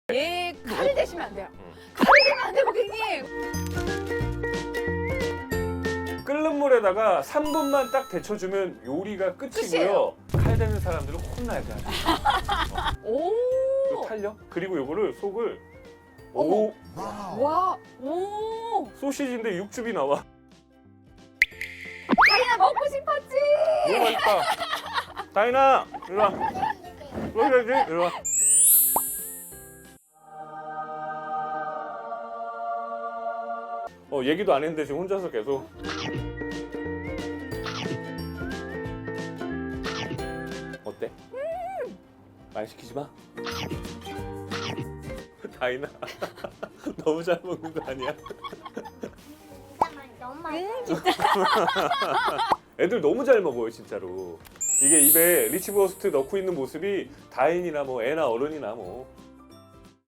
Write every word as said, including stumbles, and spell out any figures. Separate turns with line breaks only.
얘 칼을 대시면 안 돼요.
음.
칼을 대면 안 돼요, 고객님.
끓는 물에다가 삼 분만 딱 데쳐주면 요리가 끝이고요.
끝이에요.
칼 대는 사람들은 혼나야 돼.
오.
이거 탈려? 그리고 요거를 속을
어머.
오
와. 오.
소시지인데 육즙이 나와.
다이나 먹고 싶었지.
너무 맛있다. 다이나 이리 와. 이리 와야지. 이리 와. 어 얘기도 안 했는데 지금 혼자서 계속. 어때?
음.
많이 시키지 마. 다이나 너무 잘 먹는 거 아니야?
너무 맛있어.
음, 진짜.
애들 너무 잘 먹어요 진짜로. 이게 입에 리치버스트 넣고 있는 모습이 다인이나 뭐 애나 어른이나 뭐